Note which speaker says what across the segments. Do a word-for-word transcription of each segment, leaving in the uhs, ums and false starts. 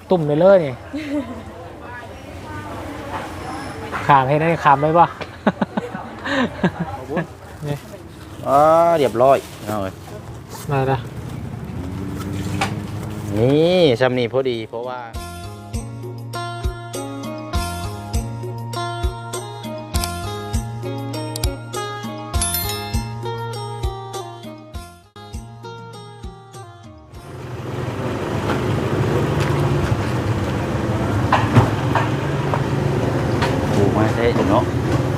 Speaker 1: ตุ่มเลยเลยนี่ขามให้ได้ขามได้ป่ะนี่
Speaker 2: อ๋อเรียบร้อยเอาเลย
Speaker 1: มาละ
Speaker 2: นี่ซ้ำนี่พอดีเพราะว่าเนาะ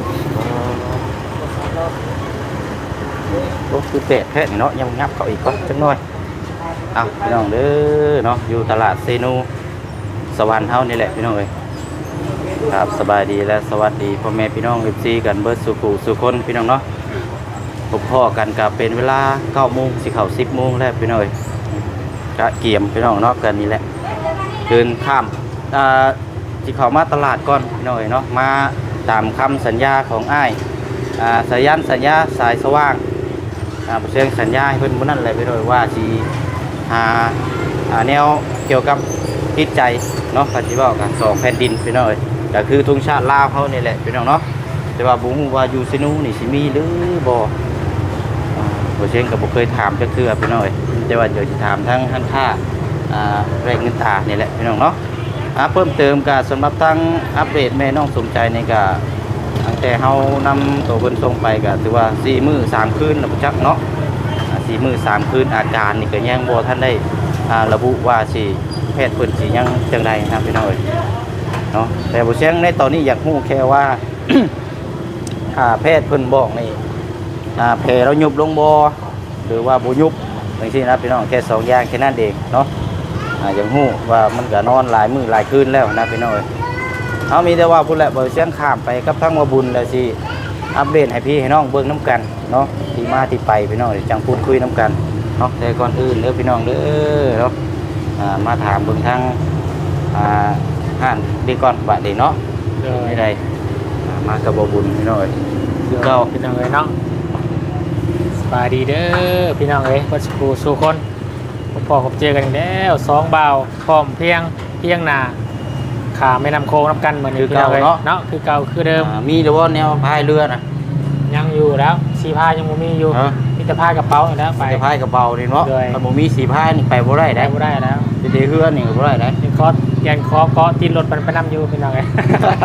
Speaker 2: โอ้คือเป็ดแพะเนาะยังงับเขาอีกก็จังน้อยเอาพี่น้องเด้อเนาะอยู่ตลาดเซนูสวรรค์เฮานี่แหละพี่น้องเอ้ยครับสบายดีและสวัสดีพ่อแม่พี่น้องเอฟซีกันเบิร์ดสุขุสุคนพี่น้องเนาะพบพ่อกันกับเป็นเวลาเก้าโมงสิเข้าสิบโมงแล้วพี่น้องเอ้ยกะเกี่ยมพี่น้องเนาะกันนี่แหละเดินข้ามอ่าสิเข้ามาตลาดก่อนพี่น้องเอ้ยเนาะมาตามคำสัญญาของอ้ายสายันสัญญาสายสว่างเชิงสัญญาให้เพื่อนบุนั่นเลยไปเลยว่าสีหาแนวเกี่ยวกับจิตใจเนาะปฏิบัติกันสองแผ่นดินพี่น้องเอ้ยก็คือทุ่งชาติลาวเขานี่แหละพี่น้องเนาะแต่ว่าบุ้งว่าอยู่ซินูนี่สิมีหรือบ่บ่เชิงกับบ่เคยถามจะคือพี่น้องเอ้ยแต่ว่าเดี๋ยวจะถามทั้งทั้งค่าแรงเงินตานี่แหละพี่น้องเนาะเพิ่มเติมกับสำหรับทั้งอัปเดตแม่น้องสมใจในกะตั้งแต่เฮานำตัวเพิ่นส่งไปก็ถือว่าสี่มื้อสามคืนแล้วจักเนาะสี่มื้อสามคืนอาการนี่ก็ยังบ่ท่านได้ระบุว่าสิแพทย์เพิ่นสิยังจังไดนะพี่น้องเอ้ยเนาะแต่บ่เสียงในตอนนี้อยากฮู้แค่ว่า ถ้าแพทย์เพิ่นบอกนี่แผลเรายุบลงบ่หรือว่าบ่ยุบจังซี่นะพี่น้องแค่สองอย่างแค่นั้นเองเนาะอย่างหู้ว่ามันก็นอนหลายมือหลายคืนแล้วนะพี่น้อยเขามีแต่ว่าพูดแหละบ่เสียงข้ามไปกับทั้งว่าบุญแล้วสิอัปเดตให้พี่ให้น้องเบิ่งน้ำกันเนาะที่มาที่ไปพี่น้องจังพูดคุยน้ำกันเนาะแต่ก่อนอื่นเด้อพี่น้องเด้อเนาะมาถามเบิ่งทั้งห้านดีก่อนบัดนี้เนาะไม่ได้มากับบ่บุญพี่น้อยคือเก่า
Speaker 1: พี่น้องเอ้ยเนาะสบายดีเด้อพี่น้องเอ้ยวัดสู่สู่คนพอผมเจอกันแล้วสองบ่าวพร้อมเพียงเพียงหนาขาไม่นำโค้งนับกันเหมือนคือเก่าเนาะเนาะคือเก่าคือเดิม
Speaker 2: มีหรือว่าแนวพายเรือนะ
Speaker 1: ยังอยู่แล้วสีพายยังมีอยู่มีแต่พายกระเป๋าแล้วไป
Speaker 2: พายกระเป๋านี่เนาะมันบ่มีสีพายนี่ไปบ่ได้ได้
Speaker 1: บ่ได้แล้ว
Speaker 2: จะได้เฮือนนี่บ่ได้ได้
Speaker 1: ยังคอยังคอเกาะตีนรถมันไปนำอยู่พี่น้องเอ้ย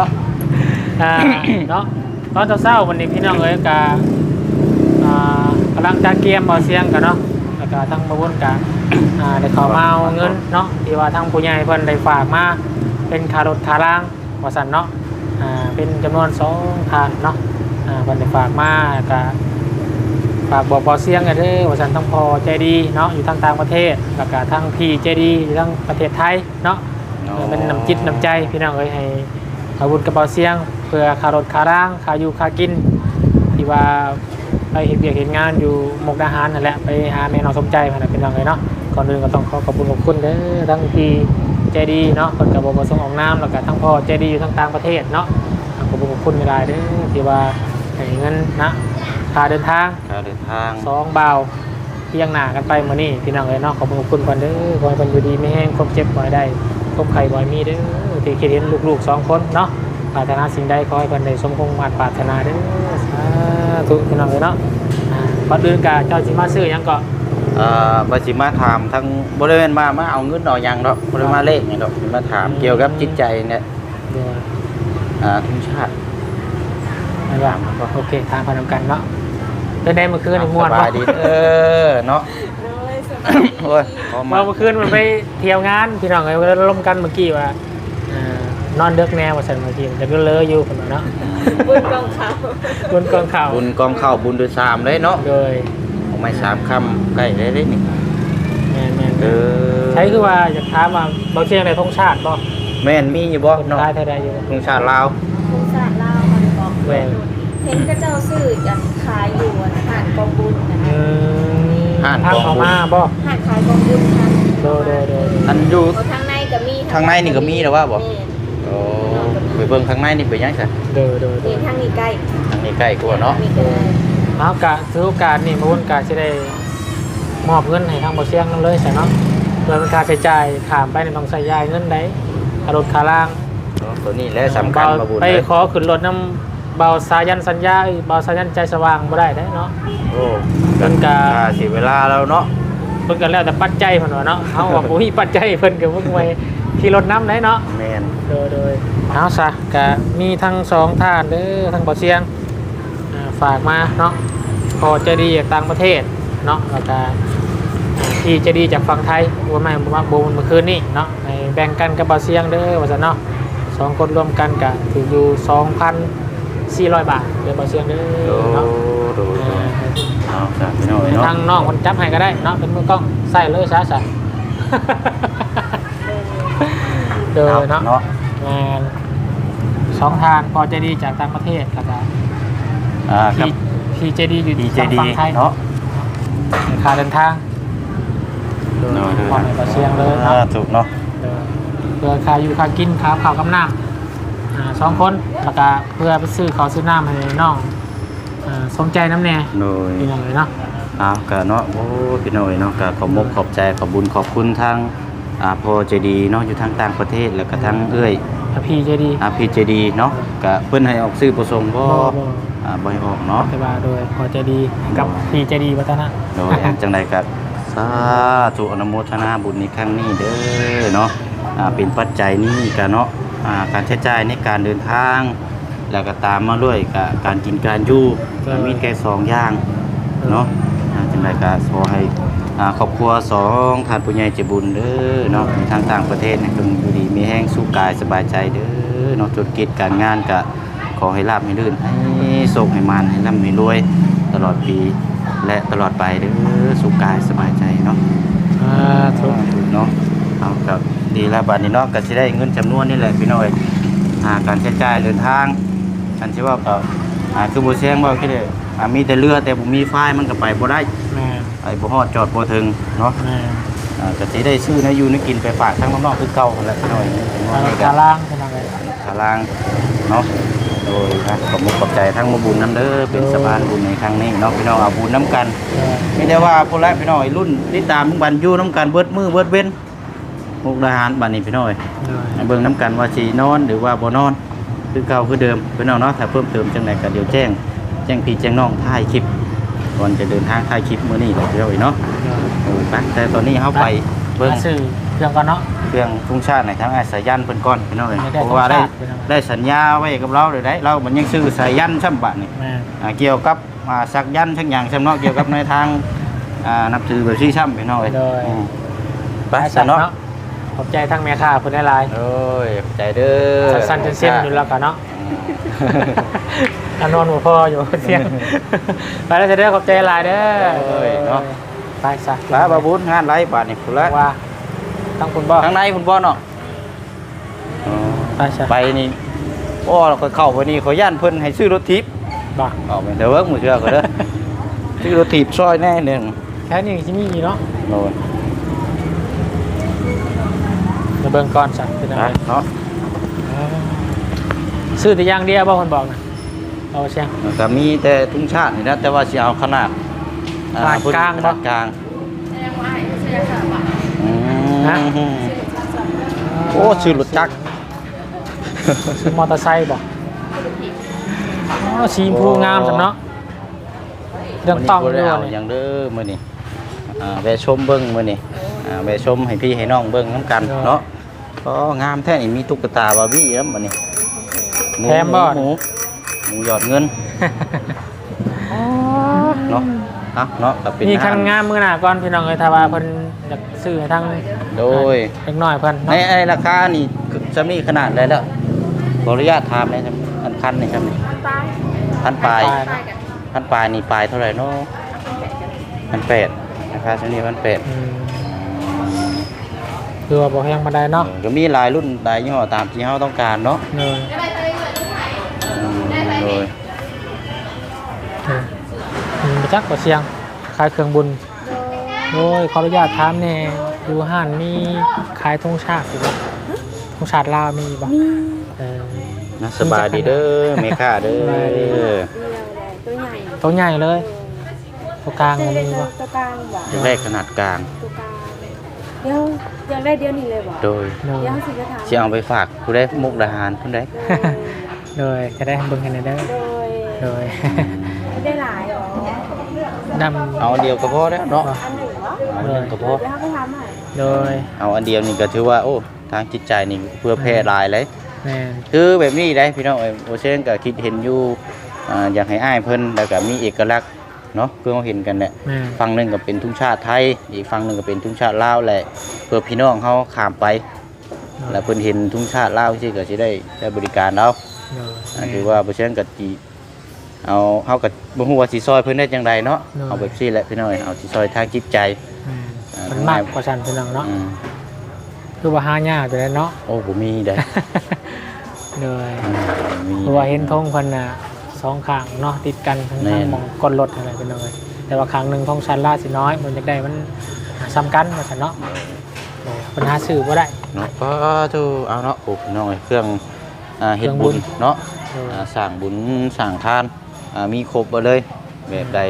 Speaker 1: เนาะตอนเช้าวันนี้พี่น้องเอ้ยกากำลังจะเกียมบ่เสียงกันเนาะแล้วก็ทั้งมาวนกันได้ขอมาเอาเงินเนาะที่ว่าทางผู้ใหญ่เพิ่นได้ฝากมาเป็นค่ารถค่าล่างว่าซั่นเนาะอ่าเป็นจำนวนสองพันเนาะอ่าเพิ่นได้ฝากมาก็ฝากบอกบ่เสียงกันเด้อว่าซั่นทั้งพ่อใจดีเนาะอยู่ทางต่างประเทศแล้วก็ทั้งพี่ใจดีอยู่ทางประเทศไทยเนาะเป็นน้ำจิตน้ำใจพี่น้องเอ้ยให้อาวุธกระเป๋าเสียงเพื่อค่ารถค่าล่างค่าอยู่ค่ากินที่ว่าไปเห็นเบียกเห็นงานอยู่มุกดาหารนั่นแหละไปหาแม่น้องสมใจมาเป็นยังไงเนาะก่อนอื่นก็ต้องขอขอบคุณขอบคุณเด้อทั้งพี่ใจดีเนาะคนกับบประสงค์ออกน้ำแล้วก็ทั้งพ่อใจดีอยู่ทั้งต่างประเทศเนาะขอบคุณขอบคุณเวลาเด้อที่ว่าให้เงินนะค่าเดินทาง
Speaker 2: ค่าเดินทาง
Speaker 1: สองบ่าวเพียงหน้ากันไปมื้อนี้พี่น้องเอ้ยเนาะขอบคุณขอบคุณก่อนเด้อขอให้เพิ่นอยู่ดีไม่แห้งความเจ็บบ่ได้ความไข้บ่มีเด้อที่คิดเห็นลูกๆสองคนเนาะปรารถนาสิ่งใดขอให้เพิ่นได้สมคงมาตรปรารถนาเด้อสาธุพี่น้องเอ้ยเนาะก่อนอื่นก็เจ้าสิมาซื้อหยังก็
Speaker 2: เอ่อบ่สิมาถามทั้งบ่ได้แม่นมามาเอาเงินเอาหยังดอกบ่ได้มาเลขหยังดอกมาถามเกี่ยวกับจิตใจเนี่ยอ่าทุกชาติ
Speaker 1: ว่าโอเคทางพนมกันเนาะเป็นได้เมื่อคืนม่วน
Speaker 2: สบายดีเออเนาะโอ้ย
Speaker 1: เมื่อคืนมันไปเที่ยวงานพี่น้องเอ้ยร่วมกันเมื่อกี้ว่านอนเด็กแนวว่าซั่นเมื่อกี้จะก็เลอะอยู่พุ่นเนาะ
Speaker 3: บุญกองข้าว
Speaker 1: บุญกองข้าว
Speaker 2: บุญกองข้าวบุญด้วยสามเลยเนาะ
Speaker 1: โดย
Speaker 2: ของไม้สามคำใกล้ได้เลยนี่
Speaker 1: แม่นๆเออใช่คือว่าอยากถามว่าบ่เชียงได้ธงชาติบ่
Speaker 2: แม่นมีอยู่บ่
Speaker 1: เนาะได้ได้อยู่
Speaker 2: ธงชาติลาว
Speaker 3: ธงชาติลาวมันบอกแม่นเห็นก็เจ้าซื้อจัดขายอยู่อาหารกองบุญนะคะ
Speaker 1: อืมหารกองมาบ่
Speaker 3: หารขายกองบุญค่ะ
Speaker 1: โดยๆๆ
Speaker 2: อันอยู่
Speaker 3: ทางในก็มี
Speaker 2: ทางในนี่ก็มีแล้วว่าบ่โอ้ไปเบิ่งข้างในนี่เป็นยังไง
Speaker 1: เด้อเด้อ
Speaker 3: เด้อทางนี้ใกล้
Speaker 2: ทางนี้ใกล้กว่าเนาะ
Speaker 1: เอากะถือโอกาสนี่มาวนกะสิได้มอบเงินให้ทางบ่เสียงนำเลยใช่เนาะเพื่อเป็นค่าใช้จ่ายขามไปในต้องใช้ยายเงินได้รถขาล่าง
Speaker 2: ตัวนี้แหละสำคัญมาบุญ
Speaker 1: ไป
Speaker 2: เลย
Speaker 1: ขอขึ้นรถน้ำเบาสายันสัญญาเอ้ยเบาสายันใจสว่างบ่ได้ได้เนาะ
Speaker 2: โอ้
Speaker 1: เพิ่นก็
Speaker 2: ค่าเสียเวลาแล้วเนาะ
Speaker 1: เพิ่นก็แล้วแต่ปัจจัยเพิ่นว่าเนาะเฮาว่าบ่มีปัจจัยเพิ่นก็เพิ่งไว้ขี่รถน้ำได้เนาะ
Speaker 2: แม่น
Speaker 1: โดยโดยเอาซะก็มีทั้งสองท่านเด้อทั้งบ่เสียงอ่าฝากมาเนาะพอใจะดีจากต่างประเทศเนาะแล้วก็ที่ใจะดีจากฝั่งไทยว่าไม่ว่าบ่เมื่อคืนนี้เนาะให้แบ่งกันกับบ่เสียงเด้อว่าซั่นเนาะสองคนรวมกันก็ถืออยู่ สองพันสี่ร้อย บาทเด้อบ่เสียงเด้
Speaker 2: โอ้
Speaker 1: อเนาะ
Speaker 2: ดู
Speaker 1: อ่า
Speaker 2: เอาจ้ะพี่น้องเนาะ
Speaker 1: ทางน้องคนจับให้ก็ได้เนาะเป็นมือกล้องใส่เลยซะซะ เด้อเนาะ
Speaker 2: เนาะ
Speaker 1: แม่นสองทางพอใจดีจากต่างประเทศแล้วก็
Speaker 2: อ่าครับ
Speaker 1: พี่พี่ใจดีอยู่
Speaker 2: ดีใจดี
Speaker 1: ฝั่งไทย
Speaker 2: เนาะ
Speaker 1: ค่าเดินทาง
Speaker 2: เนาะ
Speaker 1: พอในประเชียงเลย
Speaker 2: อ่า
Speaker 1: เนาะ
Speaker 2: ถูกเนาะ
Speaker 1: เออเพื่อค่าอยู่ค่ากินค่าข้าวกับน้ำอ่าสองคนแล้วก็เพื่อไปซื้อข้าวซื้อน้ำให้น้องอ่าสมใจน้ำแน่
Speaker 2: โดย
Speaker 1: พี่น้องเลยเนาะ
Speaker 2: เอากะเนาะโอ้พี่น้อยเนาะกะขอบมกขอบใจขอบบุญขอบคุณทางอ่าพอใจดีเนาะอยู่ทางต่างประเทศแล้วก็ทางเอ้ย
Speaker 1: ถ้าพี่ใจดี
Speaker 2: อาพีใจดีเนาะกะเพิ่นให้ออกซื้อประสงค์บ่
Speaker 1: บ่บ่
Speaker 2: อ่าบ่ให้ออกเนาะ
Speaker 1: แต่ว่าโดยพอใจดีกับพี่ใจดีวัฒนะ
Speaker 2: โดยจังใดก็สาธุอนุโมทนาบุญในครั้งนี้เด้อเนาะอ่าเป็นปัจจัยนี้กะเนาะอ่าการใช้จ่ายในการเดินทาง แล้วก็ตามมาด้วยกะการกินการอยู่ก็มีแค่สองอย่างเนาะอ่าจังใดก็ขอให้อ่าครอบครัวสองท่านผู้ใหญ่ใจบุญเด้อเนาะทางต่างประเทศเนี่ยจงอยู่ดีมีแห้งสู้กายสบายใจเด้อเนาะธุรกิจการงานก็ขอให้ราบให้ลื่นให้โชคให้มานให้ร่ำให้รวยตลอดปีและตลอดไปเด้อสู้กายสบายใจเนาะ
Speaker 1: อ่าถูก
Speaker 2: เนาะเอากับดีแล้วบัดนี้เนาะก็สิได้เงินจำนวนนี่แหละพี่น้อยอ่าการใช้จ่ายเดินทางอันที่ว่าก็อ่าคือบ่แซงว่าคือได้อ่ามีแต่เรือแต่บ่มีไฟมันก็ไปบ่ได้
Speaker 1: แม่
Speaker 2: ไอ้บ่ฮอดจอดบ่ถึงเนาะ
Speaker 1: แม่
Speaker 2: อ่าก็สิได้ซื้อนะอยู่นะกินไปฝากทั้งน้องๆคือเก่าหั่นแหละพี่น้อย
Speaker 1: ทาง
Speaker 2: เนาะ
Speaker 1: กาล่างเป็นยังไง
Speaker 2: สารางเนาะโดยนะขอบคุณขอบใจทั้งมาบุญน้ำเด้อเป็นสะพานบุญในครั้งนี้เนาะพี่น้องเอาบุญน้ำกันไม่ได้ว่าพวกแรกพี่น้อยรุ่นที่ตามทุกบันอยู่น้ำกันเบิดมือเบิดเว้นมุกดาหารบันนี้พี่น้อยเบิ่งน้ำกันว่าสีนอนหรือว่าบ่นอนคือเก่าคือเดิมพี่น้องเนาะถ้าเพิ่มเติมจังไหนก็เดี๋ยวแจ้งแจ้งพี่แจ้งน้องถ่ายคลิปก่อนจะเดินทางถ่ายคลิปมื้อนี้เลยพี่น้อยเนาะโอ้ไปแต่ตอนนี้เฮาไปเบิ่ง
Speaker 1: สื่อเครื่องกันเนาะ
Speaker 2: เครื่องทุ่งชาติในทั้งไอ้สายยันเพิ่นก่อนพี่น้องเอ้ย
Speaker 1: ไม่ได้
Speaker 2: เพราะว่าได้
Speaker 1: ธงชาติพี่น้อง
Speaker 2: ได้สัญญาไว้กับเราเลยได้เรามันยังซื้อสายยันช่ำบะนี่
Speaker 1: แม่
Speaker 2: อ่าเกี่ยวกับอ่าสักยันทั้งอย่างช่ำเนาะเกี่ยวกับในทางอ่านับถือแบบที่ช่ำพี่น้องเอ้ยอืมไปซะเนาะ
Speaker 1: ขอบใจทั้งแม่ค้าคนได้หลาย
Speaker 2: โอ้ยขอบใจเด้อ
Speaker 1: สั้นๆจนเส้นอยู่แล้วกันเนาะอันนอนหัวพ่ออยู่เสียงไปแล้วจะได้ขอบใจหลายเด้อ
Speaker 2: โอ้ยเนาะ
Speaker 1: ไปซะ
Speaker 2: ลาบาบุญงานไรบาทนี่พุ่นละ
Speaker 1: ว่าทั้งคุณบ่
Speaker 2: ทางในพุ่นบ่เนาะอ๋อ
Speaker 1: ไปซะ
Speaker 2: ไปนี่โอ้เราก็เข้าไปนี่ขอย่านเพิ่นให้ซื้อรถทิพย์
Speaker 1: บ่
Speaker 2: เอาไปเด้อเวิร์กมือเชื่อก็เด้อซื้อรถทิพย์ซอยแน่หนึ่ง
Speaker 1: แค่นี้ที่มีเนาะ
Speaker 2: โน่น
Speaker 1: เดี๋ยวเบิ่งก่อนสั่งเป็นยัง
Speaker 2: นะ
Speaker 1: ไง
Speaker 2: เนาะ
Speaker 1: ซื้อแต่อย่างเดียวบ่คนบอกนะเอาเชียง
Speaker 2: ก็มีแต่ทุ่งชาตินี่นะแต่ว่าสิเอาขนาดอ่
Speaker 1: ขนาดกลาง
Speaker 2: ข
Speaker 1: บ่
Speaker 2: นาดกลาง
Speaker 3: แสดงว่าไอ้เสียค่ะบ่ะ
Speaker 2: อืม
Speaker 1: ฮะ
Speaker 2: โอ้ชื่อรถจักร
Speaker 1: ซื้อมอเตอร์ไซค์บ่อ๋อสีชมพูงามจังเนาะเรื่องต้อง
Speaker 2: มื้
Speaker 1: ด้
Speaker 2: นี้
Speaker 1: วย
Speaker 2: บ่ได้เอา
Speaker 1: นี่
Speaker 2: อย่างเด้อมื้อนี้อ่าแวะชมเบิ่งมื้อนี้อ่าแวะชมให้พี่ให้น้องเบิ่งนํกันเนาะก็งามแท้นี่มีตุ๊กตาบาร์บี้นำมื้อนี้ห
Speaker 1: แถมบ่
Speaker 2: หมูหมูหยอดเงินเนาะเอาเนาะก็เป็น
Speaker 1: มีคัน
Speaker 2: อาหารง
Speaker 1: ามมื้อหน้าก่อนพี่น้องเอ้ยถ้าว่าเพิ่นอยากซื้อให้ทาง
Speaker 2: โดย
Speaker 1: เล็กน้อยเพิ่น
Speaker 2: ใน
Speaker 1: เนาะ
Speaker 2: ไอ้ราคานี่จำนี่ขนาดได้แล้วขออนุญาตถามเลยครับพันพันนี่ครับนี่
Speaker 3: ตาย
Speaker 2: พันปลาย
Speaker 3: ตายกัน
Speaker 2: พันปลายนี่ปลายเท่าไหร่เนาะพันแปดนะครับจำนี่พันแปด
Speaker 1: อืมคือว่าบ่แพงปานใดเนาะ
Speaker 2: ก็มีหลายรุ่นหลายยี่ห้อตามที่เราต้องการเนาะ
Speaker 1: เนย
Speaker 2: อืมโดย
Speaker 1: เอออืมบ่จักบ่เสียงขายเครื่องบุญโอ้ยขออนุญาตถามแหน่อยู่ห้านมีขายธงชาติอยู่บ่ธงชาติลาวมีบ่เออ
Speaker 2: นะสบายดีเด้อเมค่าเด้อ
Speaker 1: สบายดี
Speaker 3: เรืออะไรตัวใหญ่
Speaker 1: ตัวใหญ่เลยตัวกลางมันมีบ่
Speaker 3: ตัวกลางบ่ะ
Speaker 2: แรกขนาดกลาง
Speaker 3: ตัวกลางเดี๋ยวอยากได้เดี๋ยวนี้เลยบ่
Speaker 2: โดย
Speaker 1: โดย
Speaker 3: เดี๋ยวสิไปถาม
Speaker 2: สิเอาไปฝากผู้ได้มุกดาหารผู้ได้
Speaker 3: โดย
Speaker 1: โดยจะได้เบิ่งกันได้เด้อ
Speaker 3: โดย
Speaker 1: โดย
Speaker 3: ไม่ได้หลายหรอ
Speaker 1: ดำ
Speaker 2: เอาอันเดียวก็พอแล้วเนาะ
Speaker 3: อันหนึ่งเหรอ
Speaker 2: เอาอันหนึงก็พอ
Speaker 3: เดี๋ยวเขาไปทำให้
Speaker 1: โดย
Speaker 2: เอาอันเดียวนี่ก็ถือว่าโอ้ทางจิตใจนี่เพื่อแพร่หลายเลย
Speaker 1: แม่น
Speaker 2: คือแบบนี้ได้พี่น้องเอ้ยโอเช่นก็คิดเห็นอยู่อ่าอยากให้อ้ายเพิ่นแล้วก็มีเอกลักษณ์เนาะเพื่อเราเห็นกันแหละ
Speaker 1: แม่น
Speaker 2: ฝั่งหนึงก็เป็นทุ่งชาติไทยอีกฝั่งหนึงก็เป็นทุ่งชาติลาวแหละเพื่อพี่น้องเขาข้ามไป แล้วเพิ่นเห็นทุ่งชาติลาวสิก็สิได้ได้บริการเรา
Speaker 1: โดย
Speaker 2: อ่าถือว่าโอเช่นก็สิเอาเฮาก็บ่ฮู้ว่าสิซอยเพิ่นได้จังไดเนาะ
Speaker 1: เนาะ
Speaker 2: เอาแบบซี่แหละพี่น้องเอ้ยเอาสิซอยทางจิตใจ
Speaker 1: แม่นมันมากกว่าฉันพี่น้องเนาะ
Speaker 2: อืม
Speaker 1: คือว่าหายากอยู่แล้วเนาะ
Speaker 2: โอ้บ่มีได้
Speaker 1: โดย
Speaker 2: อืมบ่มี
Speaker 1: เพราะว่าเห็นธงเพิ่นน่ะสองข้างเนาะติดกันทั้ง
Speaker 2: แม่
Speaker 1: ทาง
Speaker 2: น
Speaker 1: หมองก้นรถอะไรเป็นน้อยแต่ว่าข้างหนึงธงชันล่าสิน้อยมันจะได้มันซ้ำกันว่าซั่นเนาะโดยปัญหาซื้อบ่ได้
Speaker 2: เนาะก็ทูเอาเนาะโอ้พี่น้องเอ้ยเครื่องอ่าเฮ็ด
Speaker 1: เครื่องบุ
Speaker 2: บุ
Speaker 1: ญ
Speaker 2: ญเนาะ
Speaker 1: โดย
Speaker 2: อ่าสร้างบุญสร้างทานอ่ามีครบหมดเลยแบบใด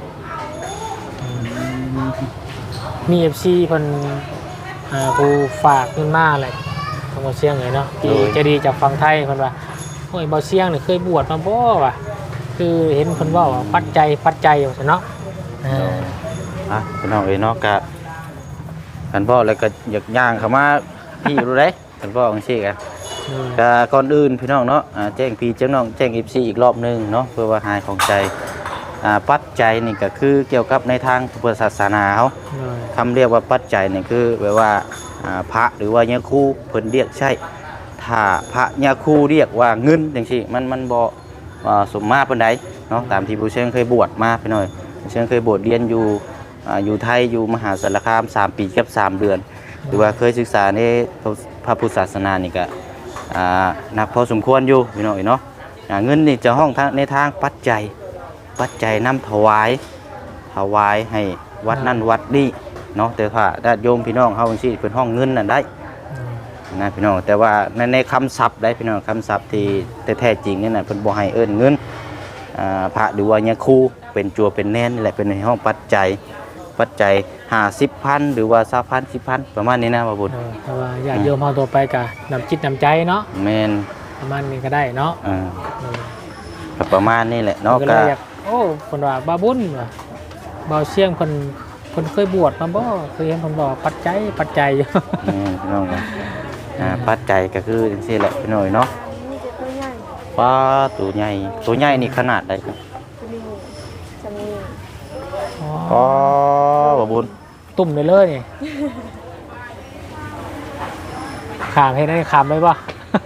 Speaker 1: มี เอฟ ซี เพิ่นอ่าผู้ฝากเงินมาแหละทางบ่เสียงเลยเนาะที่ใจะดีจากฝั่งไทยเพิ่นว่าโอ้ยบ่เสียงนี่เคยบวชมาบ่วะคือเห็นเพิ่นเว้าว่าปัจจัยปัจจัยว่าซั่นเนาะอ่า
Speaker 2: อ่ะพี่น้องเอ้ยเนาะกะกันพ่อแล้วก็อยากย่างเข้ามาพี่รู้ได้กันพ่อจังซี่กัน
Speaker 1: โดย
Speaker 2: กะก่อนอื่นพี่น้องเนาะอ่าแจ้งพี่แจ้งน้องแจ้ง เอฟ ซี อีกรอบหนึงเนาะเพื่อว่าหายของใจอ่าปัจจัยนี่ก็คือเกี่ยวกับในทางพุทธศาสนาเฮา
Speaker 1: โดย
Speaker 2: คำเรียกว่าปัจจัยนี่คือแบบว่าอ่าพระหรือว่ายาคูเพิ่นเรียกใช่ถ้าพระยาคูเรียกว่าเงินจังซี่มันมันบ่อ่าสมมาปานใดเนาะตามที่ผู้เชี่ยงเคยบวชมาพี่น้อยผู้เชี่ยงเคยบวชเรียนอยู่อ่าอยู่ไทยอยู่มหาสารคามสามปีกับสามเดือน หรือว่าเคยศึกษาในพระพุทธศาสนานี่ก็อ่านักพอสมควรอยู่พี่น้อยเนาะอ่าเงินนี่จะห้องทางในทางปัจจัยปัจจัยนำถวายถวายให้วัดนั่นวัดนี้เนาะแต่ว่าญาติโยมพี่น้องเฮาจังซี่เป็นห้องเงินนั่นได้นะพี่น้องแต่ว่าในในคำศัพท์ได้พี่น้องคำศัพท์ที่แท้ๆจริงนี่น่ะเพิ่นบ่ให้เอิ้นเงินอ่าพระหรือว่ายาคูเป็นจัวเป็นแน่นนี่แหละเป็นในห้องปัจจัยปัจจัยห้าสิบพันหรือว่าสามพันสิบพันประมาณนี้นะบ่าบุญ
Speaker 1: โดยแต่ว่าญาติโยมเฮาตัวไปก็นำจิตนำใจเนาะ
Speaker 2: แม่น
Speaker 1: ประมาณนี้ก็ได้เนาะ
Speaker 2: อ่า
Speaker 1: โดย
Speaker 2: ก็ประมาณนี้แหละเนาะ
Speaker 1: ก็
Speaker 2: ก็
Speaker 1: เลยอยากโอ้เพิ่นว่าบาบุญว่ะบ่าวเสียงเพิ่นเพิ่นเคยบวชมาบ่เคยเห็นเพิ่นบอกปัจจัยปัจจัยอยู่
Speaker 2: แม่นพี่น้องก็อ่าปัจจัยก็คือจังซี่แหละพี่น้อยเนาะ
Speaker 3: นี่จะตัวใหญ่
Speaker 2: ปลาตัวใหญ่ตัวใหญ่นี่ขนาดใดครับ
Speaker 3: จะมีจะมี
Speaker 2: อ๋อบ่บุญ
Speaker 1: ตุ่มเลยเลยนี่ ขามให้ได้ขามได้ป่ะ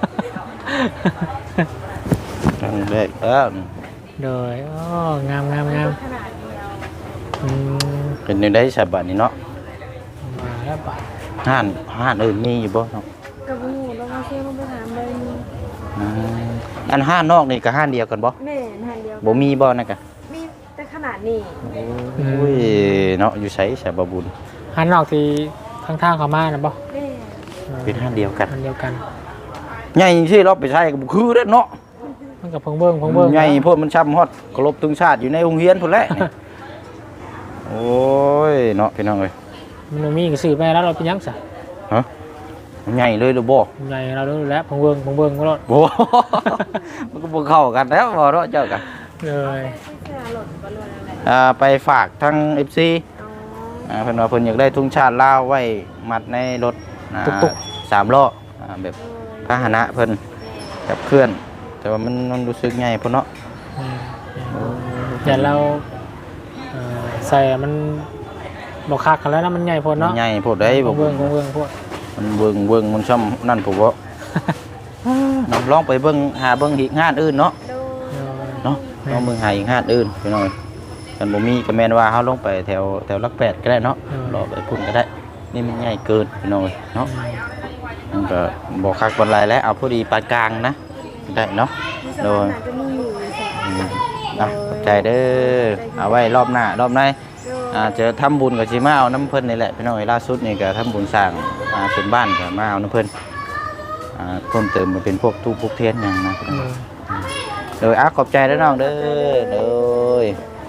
Speaker 2: นั่นแหละเออ
Speaker 1: โดยอ๋องามงามงาม
Speaker 3: ขนาดเดียว
Speaker 1: อืม
Speaker 2: เป็นจังได๋ฉบับนี้เนาะ
Speaker 1: มาแล้วป่ะ
Speaker 2: ห้านห้านอื่นมีอยู่บ่เนาะ
Speaker 3: กระบูแล้วมาเชื่อมไปถามเลย
Speaker 2: อืมอันห้านนอกนี่ก็ห้านเดียวกันบ่
Speaker 3: แม่หันเดียว
Speaker 2: บ่มีบ่นั่นก็
Speaker 3: มีแต่ขนาดนี้
Speaker 2: โอ้ยเนาะอยู่ไสฉบับบุญ
Speaker 1: หันนอกที่ทางทางเขามานะป่ะ
Speaker 3: แม่
Speaker 2: เป็นห้านเดียวกัน
Speaker 1: อันเดียวกัน
Speaker 2: ใหญ่ที่เราไปใช้ก็บ่คือเด้อเนาะ
Speaker 1: มันกับเพิ่งเบิ้งเพิ่งเบิ้ง
Speaker 2: ใหญ่โพดมันช้ำฮอดเคารพธงชาติอยู่ในโรงเรียนพุ่นแหละนี่ โอ้ยเนาะพี่น้องเอ้ย
Speaker 1: มันบ่มีก็ซื้อไปแล้วเราเป็นหยังซะ
Speaker 2: ฮะมันใหญ่เลยหรือบ่
Speaker 1: ใหญ่เราดูแล้วเพิ่งเบิ้งเพิ่งเบิ้งก็รถ
Speaker 2: บ่ มันก็บ่เข้ากันแล้วบ่เนาะเจ้ากัน
Speaker 1: เลย
Speaker 3: เสื้อหล่นบอลลูนอะไร
Speaker 2: อ่าไปฝากทั้ง เอฟ ซี
Speaker 3: อ๋อ
Speaker 2: อ่าเพิ่นว่าเพิ่นอยากได้ธงชาติลาวไว้มัดในรถอ่าสามล้ออ่าแบบพาหนะเพิ่นกับเคลื่อน แต่ว่ามันมันรู้สึกใหญ่พุ่นเนาะ
Speaker 1: อืมอย่าเราเอ่อใส่มันบ่คักกันแล้วนะมันใหญ่พอเนาะ
Speaker 2: ใหญ่โพดได้บ่
Speaker 1: เบิ้งเบิ้งเบิ้งพวก
Speaker 2: มันเบิ่งเบิ่งมันช่ำนั่นผมบ่ น้องลองไปเบิ่งหาเบิ่งอีกงานอื่นเนาะ
Speaker 3: โด
Speaker 2: เนาะลองเบิ่งหาอีกงานอื่นพี่น้อยกันบ่มีก็แม่นว่าเฮาลงไปแถวแถวหลักแปดก็ได้เนาะรอไปพุ่นก็ได้ นี่มันใหญ่เกินพี่น้อยเนาะมันก็บ่คักบ่หลายแล้วเอาพอดีปานกลางนะได้เนาะ
Speaker 3: มีสถานะจะมีอยู่สอง
Speaker 2: อืมอ่ะขอบใจเด้อเอาไว้รอบหน้ารอบในอ่าเจอทำบุญกับสิมาเอาน้ำเพิ่นนี่แหละพี่น้อยล่าสุดนี่ก็ทำบุญสร้างอ่าเป็นบ้านก็มาเอาน้ำเพิ่นอ่าเพิ่มเติมมาเป็นพวกทูปพวกเทียนหยังนะพี่น้อย โดยอ่ะขอบใจเด้อน้องเด้อโดย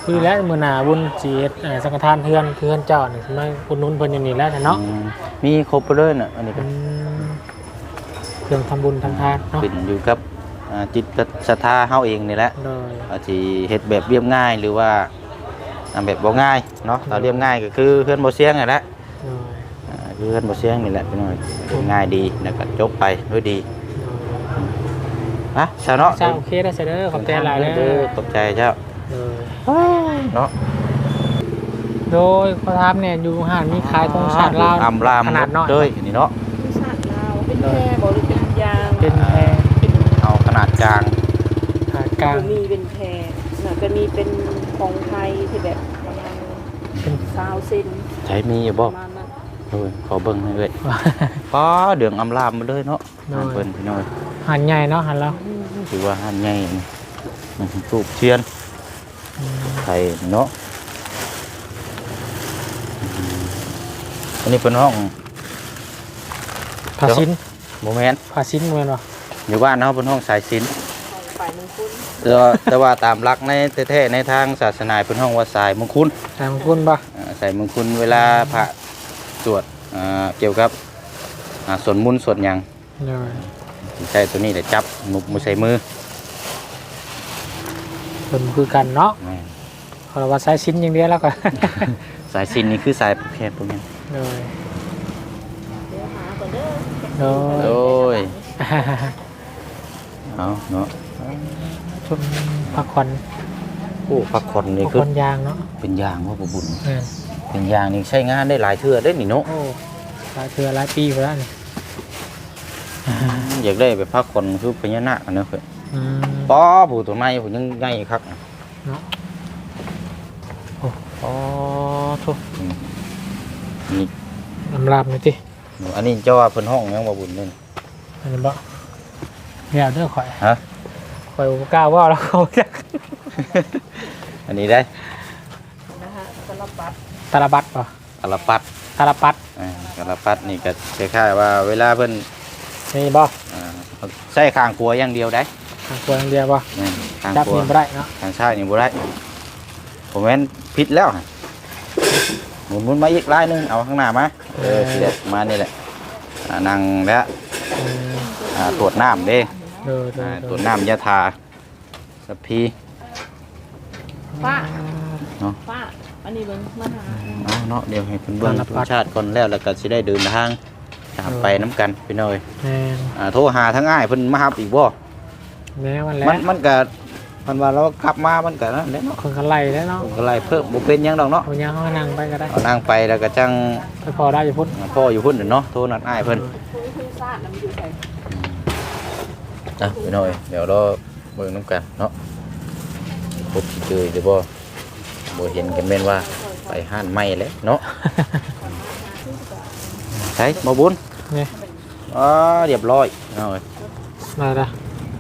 Speaker 1: คุยแล้วมื้อหน้าบุญสิเฮ็ดเอ่อสังฆทานเฮือนเฮือนเจ้านี่มาอุดหนุนเพิ่นอยู่นี่แล้วเนาะ
Speaker 2: อืมมีครบไปเลยน่ะอันนี้ก็
Speaker 1: อืมเครื่องทำบุญทำทานเนาะ
Speaker 2: ขึ้นอยู่กับอ่าจิตศรัทธาเฮาเองนี่แหละ
Speaker 1: โดย
Speaker 2: อาจสิเฮ็ดแบบเรียบง่ายหรือว่าอ่าแบบบ่ง่ายเนาะถ้าเรียบง่ายก็คือเพื่อนบ่เสียงนั่นแหละ
Speaker 1: โดย
Speaker 2: อ่าคือเพื่อนบ่เสียงนี่แหละพี่น้อยเรียบง่ายดีแล้วก็จบไปด้วยดีฮะซะเนาะ
Speaker 1: เจ้าโอเคได้เสยเด้อขอบใจหลายเด้อ
Speaker 2: ขอบใจเจ้า
Speaker 1: โดย
Speaker 2: เนาะ
Speaker 1: โดยขอถามเนี่ยอยู่ห้างมีขายธงชาติลาว
Speaker 2: อำลาม
Speaker 1: ขนาดน้อย
Speaker 2: เลยนี่เนาะ
Speaker 3: คือชาติลาวเป็นแพร่บ่หรือเป็นยาง
Speaker 1: เป็นแพร
Speaker 2: เอาขนาดกลาง
Speaker 1: ขนาดกลาง
Speaker 3: บ่มีเป็นแพร่น่ะก็มีเป็นของไทยที่แบบประมาณ
Speaker 1: เป็น
Speaker 3: สาวเซน
Speaker 2: ใช้มีอยู่
Speaker 3: ป
Speaker 2: บ่
Speaker 3: ระมาณนั้น
Speaker 2: โอ้ยขอเบิ่งให้เว้ยป้าเดืองอำลามมาเลยเนาะ
Speaker 1: น้อย
Speaker 2: เพิ่นพี่น้อย
Speaker 1: หันใหญ่เนาะหันแล้ว
Speaker 2: ถือว่าหันใหญ่นี่อื้อหือทูบเทียน
Speaker 1: อืม
Speaker 2: ไทยเนาะอันนี้เป็นห้อง
Speaker 1: ผ้าชิ้น
Speaker 2: โมเมนต์
Speaker 1: ผ้าชิ้นเหมือนวะ
Speaker 2: อยู่บ้านเนาะเป็นห้องสายศิลป์
Speaker 3: ของฝ่ายมงคล
Speaker 2: แต่ว่าแต่ว่าตามหลักในแท้ๆในทางศาสนาเป็นห้องว่าสายมงคล
Speaker 1: ใส่มงกุฎป่ะ
Speaker 2: อ่าสายมงคลเวลาพระสวดอ่าเกี่ยวกับอ่าสวดมนต์สวดหยัง
Speaker 1: เลย
Speaker 2: ใช้ตัวนี้แต่จับหนุบมือใส่มือ
Speaker 1: เป็นคือกันเนาะ
Speaker 2: แม่น
Speaker 1: เพราะว่าใช้ชิ้นอย่างเดียวแล้วก็
Speaker 2: สายศิลป์นี่คือสายประเภทพวกนี้
Speaker 1: เลย
Speaker 3: เดี๋ยวหาก่อนเด้อ
Speaker 1: โด
Speaker 2: โอ้
Speaker 1: ย
Speaker 2: ยเอาเนาะ
Speaker 1: ชุดพักผ่อน
Speaker 2: โอ้พักผ่อนนี่
Speaker 1: พัก
Speaker 2: คือ
Speaker 1: ผ่อนยางเนาะ
Speaker 2: เป็นยางว่าบ่บุญ
Speaker 1: แม่น
Speaker 2: เป็นยางนี่ใช้งานได้หลายเทื่อได้นี่เนาะ
Speaker 1: โอ้หลายเทือหลายปีไปแล้วนี่
Speaker 2: อยากได้ไปพักผ่อนคือพญานาคเนาะเพิ่น
Speaker 1: อืม
Speaker 2: ป้อผู้ตัวไม้ผู้ยังใหญ่คัก
Speaker 1: เนาะโอ้
Speaker 2: อ๋อทุกนี่
Speaker 1: ลำลาบหน่อยสิ
Speaker 2: อันนี้เจ้าว่าเพิ่นห้องยังบ่บุญนี่
Speaker 1: อันนี้บ่เนี่ยเด้อข่อย
Speaker 2: ฮะ
Speaker 1: ข่อยบ่กล้าว่าแล้วเขาจัก
Speaker 2: อันนี้ได้
Speaker 3: นะฮะสำหรับบัตร
Speaker 1: ตาลบัดป่ะ
Speaker 2: กะละปัด
Speaker 1: ตาลปัด
Speaker 2: อ่ากะละปัดนี่ก็คล้ายๆว่าเวลาเพิ่น
Speaker 1: นี่บ่
Speaker 2: อ่าใช้ข้างครัวอย่างเดียวได้
Speaker 1: ทางครัวอย่างเดียวบ่
Speaker 2: นี่ข้าง
Speaker 1: จับ
Speaker 2: ครัว
Speaker 1: นี่บ่ได้เนาะ
Speaker 2: ทางซ้ายนี่บ่ได้ผมแม่นผิดแล้วหมุนหมุนมาอีกลายหนึงเอาข้างหน้ามาเออสิได้มานี่แหละอ่านั่งแล้ว
Speaker 1: อืม
Speaker 2: อ่าตรวจน้ำเด้
Speaker 1: เออ
Speaker 2: อ่า
Speaker 1: ๆ
Speaker 2: ตรวจน้ำยาทาสพี
Speaker 3: ป้า
Speaker 2: เนาะ
Speaker 3: ป้าอันนี้เบิ่งมาหา
Speaker 2: เอาเนาะเดี๋ยวให้เพิ่นเบิ่งธรรมชาติก่อนแล้วแล้วก็สิได้เดินทางตามไปน้ำกันพี่น้อย
Speaker 1: แม่น
Speaker 2: อ่าโทรหาทั้งอ้ายเพิ่นมารับอีกบ่
Speaker 1: แม่มันแหล้
Speaker 2: มันมันก็มันว่าเราขับมามันก็นั่นแหละเนาะ
Speaker 1: คนกันไล่แล้วเนาะ
Speaker 2: ผมก็ไล่เพิ่มบ่เป็นหยังดอกเนาะ
Speaker 1: เอายังเขานั่งไปก็ได้
Speaker 2: เอานั่งไปแล้วก็จัง
Speaker 1: ไปพอได้อยู่พุ่น
Speaker 2: พ่ออยู่พุ่นเนาะโทรนัดอ้ายเพิ่น
Speaker 3: คุยคุยซาดแล้วมันอยู่ไส
Speaker 2: อ่ะพี่น้อยเดี๋ยวเราเบิ่งน้ำกันเนาะพบสิเจอหรือบ่บ่เห็นกันแม่นว่าไปห้านใหม่แล้วเนาะใช่บ่บุญ
Speaker 1: นี่
Speaker 2: อ๋อเรียบร้อยเอาเว้ย
Speaker 1: มาละ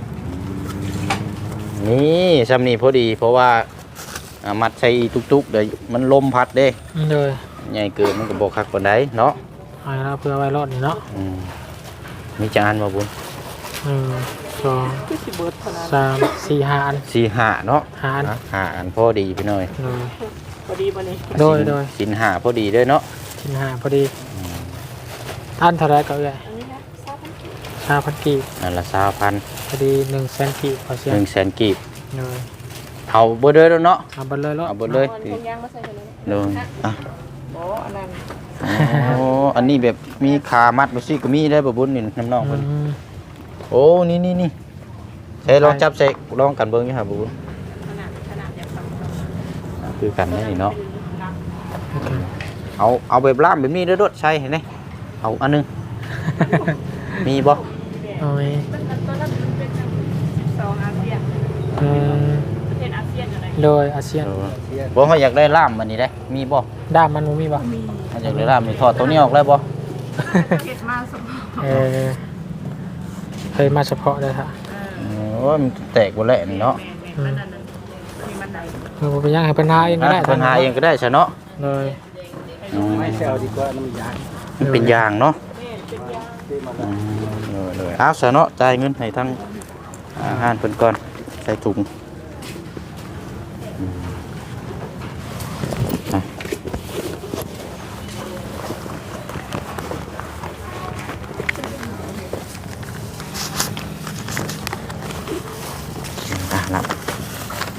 Speaker 2: นี่ซ้ำนี่พอดีเพราะว่าอ่ามัดใส่ตุกๆเดี๋ยวมันลมพัดเด้
Speaker 1: เลย
Speaker 2: ใหญ่เกินมันก็บ่คักปานใดเนาะ
Speaker 1: เอาละเพื่อไว้รอดนี่เนาะ
Speaker 2: อืมมีจานบ่บุญ
Speaker 1: หนึ่งสอง
Speaker 3: คือสิเบิดขนาด
Speaker 1: สามสี่ห้าอัน
Speaker 2: สี่ห้าเนาะ
Speaker 1: ห้าอัน
Speaker 2: อ่ะห้าอันพอดีพี่น้อย
Speaker 1: เลย
Speaker 3: พอดีบ่นี่
Speaker 1: โดยโดย
Speaker 2: สินห้าพอดีเด้อเนาะ
Speaker 1: ชิ้นห้าพอดีอันเท่าไรก็เลย
Speaker 3: อันนี้นะซาด
Speaker 1: ห้าพันกีบ
Speaker 2: อันละสามพัน
Speaker 1: พอดีหนึ่งแสนกีบพอเสีย
Speaker 2: หนึ่งแสนกีบ
Speaker 1: เลย
Speaker 2: เอาเบอร์เด้อแล้วเนาะ
Speaker 1: เอาไปเลยรถ
Speaker 2: เอาเบอร์เลย
Speaker 3: เอาอันพงยางมาใส่กันเลย
Speaker 2: เดินอ่ะ
Speaker 3: บ่อันนั้น
Speaker 2: โอ้อันนี้แบบมีขามัดมาซี่ก็มีได้บ่บุญนี่น้ำน้องเพิ่น
Speaker 1: อืม
Speaker 2: โอ้นี่นี่นี่ใช้ลองจับใส่ลองกันเบิ่งอยู่หาบ่บุญ
Speaker 3: ขนาดขนาดอยากทำ
Speaker 2: อ่ะคือกันแน่นี่เนาะเอาเอาแบบล่ามแบบนี้เด้อโดดใช่เห็นไหมเอาอันหนึง มีบ่
Speaker 1: เอาไว้
Speaker 3: ต้นนั้นต้นนั้นมันเป็นสองอาเซียน
Speaker 1: อืม
Speaker 3: ประเทศอาเซียนอะไร
Speaker 1: โดยอาเซียน
Speaker 2: บ่เฮาอยากได้ล่ามอันนี้ได้มีบ่
Speaker 1: ด้ามมันบ่มีป่ะ
Speaker 3: มี
Speaker 2: เฮาอยากได้ล่ามนี่ถอดตัวนี้ออกได้บ่
Speaker 3: ประเทศมาสม
Speaker 1: เออเคยมาเฉพาะเลยค่ะ
Speaker 2: โอ้ยมันแตกบ่แหละนี่เนาะ
Speaker 3: แม่นๆนั่นน่ะมีมันใด
Speaker 1: เออไปย่างให้ปัญหาเองก็ได้
Speaker 2: อ่ะปัญหาเองก็ได้ซะเนาะ
Speaker 1: เลย
Speaker 2: ไม่เซลดีกว่ามันยางมันเป็นยางเนาะ
Speaker 3: แม่นเป็นยา
Speaker 2: อืมเลยๆเอาซะเนาะจ่ายเงินให้ทั้งอาหารเพิ่นก่อนใส่ถุงอืม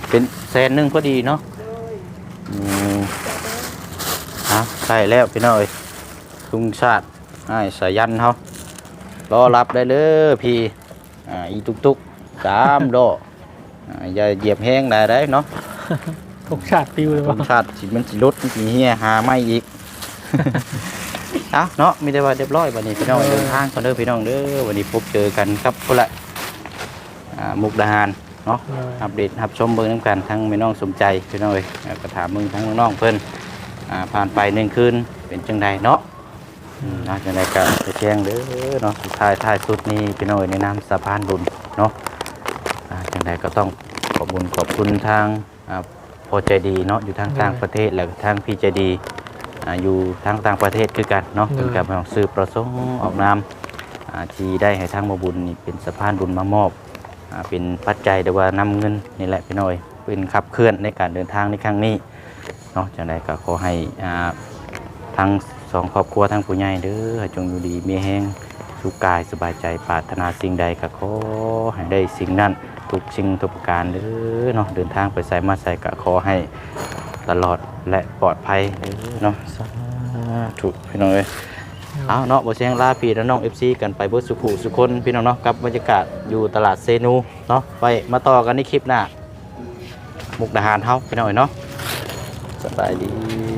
Speaker 2: เป็นแสนหนึงพอดีเนาะอืมฮะใช่แล้วพี่น้อยลุงชาติไอ้สายันเขารอรับได้เลยพี่อ่าอีตุกตุกสามโลอ่าอย่าเหยียบแห้งได้ได้เนาะ
Speaker 1: ทุกชาติปิวเลย
Speaker 2: ลุ
Speaker 1: ว่าง
Speaker 2: ชาติสิมันสิลดมันสิเฮียหาไม่อีก เอาเนาะมีแต่ว่าเรียบร้อยวันนี้พี่น้องเดินทางกันเด้อพี่น้องเด้อวันนี้พบเจอกันครับพุ่นละอ่ามุกดาหารเนาะอัปเดตรับชมเบิ่งน้ำกันทั้งแม่น้องสมใจพี่น้องเอ้ยแล้วก็ถามมึงทั้งน้องๆเพิ่นอ่าผ่านไปหนึ่งคืนเป็นจังใดเนาะอืมน่าจังใดก็ไปแจ้งเด้อเนาะสุดท้ายท้ายสุดนี้พี่น้องเอ้ยในนามสะพานบุญเนาะอ่าจังใดก็ต้องขอบคุญขอบคุณทางอ่าพอใจดีเนาะอยู่ทางต่างประเทศแล้วก็ทางพี่ใจดีอ่าอยู่ทางต่างประเทศคือกันเนาะเป็นการของสื่อประสงค์ออกนามอ่าที่ได้ให้ทางมาบุญนี่เป็นสะพานบุญมามอบอ่าเป็นปัจจัยหรือว่านำเงินนี่แหละพี่น้อยเป็นขับเคลื่อนในการเดินทางในครั้งนี้เนาะจังใดก็ขอให้อ่าทั้งสองครอบครัวทั้งผู้ใหญ่เด้อให้จงอยู่ดีมีแห้งสุขกายสบายใจปรารถนาสิ่งใดก็ขอให้ได้สิ่งนั้นทุกสิ่งทุกประการเด้อเนาะเดินทางไปใส่มาใส่ก็ขอให้ตลอดและปลอดภัยเด้อเนาะสาธุพี่น้องเอ้ยเอาเนาะบ่เสียงลาพี่และน้อง เอฟ ซี กันไปเบิดสุขุสุคนพี่น้องเนาะกับบรรยากาศอยู่ตลาดเซนูเนาะไปมาต่อกันในคลิปหน้ามุกดาหารเฮาพี่น้องเอ้ยเนาะสบายดี